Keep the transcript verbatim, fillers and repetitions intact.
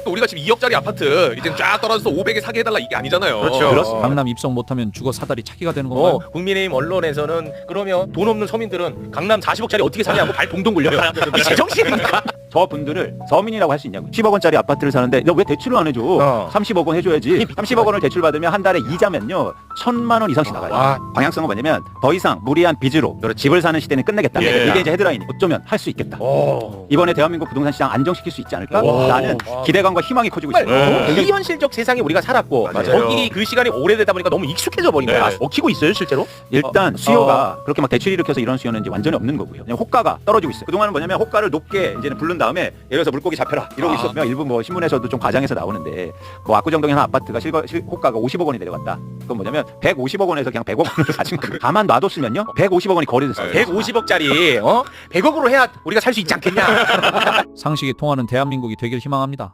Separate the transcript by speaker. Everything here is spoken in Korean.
Speaker 1: 우리가 지금 이억짜리 아파트 이제 쫙 떨어져서 오백에 사게 해달라 이게 아니잖아요.
Speaker 2: 그렇죠.
Speaker 3: 그렇습니다.
Speaker 4: 강남 입성 못하면 죽어 사다리 찾기가 되는 건가요?
Speaker 2: 어, 국민의힘 언론에서는 그러면 돈 없는 서민들은 강남 사십억짜리 어떻게 사냐고 발 동동 굴려요. 이 제정신입니까?
Speaker 3: 저분들을 서민이라고 할 수 있냐고. 십억 원짜리 아파트를 사는데 너 왜 대출을 안 해줘?
Speaker 2: 어.
Speaker 3: 삼십억 원 해줘야지. 삼십억 원을 대출 받으면 한 달에 이자면요 천만 원 이상씩 나가요.
Speaker 2: 와.
Speaker 3: 방향성은 뭐냐면 더 이상 무리한 빚으로 집을 사는 시대는 끝내겠다.
Speaker 1: 예.
Speaker 3: 이게 이제 헤드라인이 어쩌면 할 수 있겠다.
Speaker 2: 오.
Speaker 3: 이번에 대한민국 부동산 시장 안정시킬 수 있지 않을까?
Speaker 2: 와.
Speaker 3: 라는
Speaker 2: 와.
Speaker 3: 기대감과 희망이 커지고
Speaker 2: 정말
Speaker 3: 있습니다.
Speaker 1: 네.
Speaker 2: 비현실적 세상에 우리가 살았고
Speaker 1: 맞아요.
Speaker 2: 거기 그 시간이 오래되다 보니까 너무 익숙해져 버린 거야.
Speaker 1: 네.
Speaker 2: 먹히고 있어요 실제로?
Speaker 3: 일단 수요가 그렇게 막 대출 일으켜서 이런 수요는 이제 완전히 없는 거고요. 그냥 호가가 떨어지고 있어요. 그동안은 뭐냐면 호가를 높게 이제는 부른 다음에 예를 들어서 물고기 잡혀라 이러고
Speaker 1: 아.
Speaker 3: 있었으면 일부 뭐 신문에서도 좀 과장해서 나오는데 뭐 압구정동에 한 아파트가 실거, 실, 호가가 오십억 원이 내려갔다. 그건 뭐냐면 백오십억 원에서 그냥 백억 원을 가진 거예요. 가만 놔뒀으면요 백오십억 원이 거래됐어요.
Speaker 2: 백오십억짜리 어? 백억으로 해야 우리가 살 수 있지 않겠냐?
Speaker 4: 상식이 통하는 대한민국이 되길 희망합니다.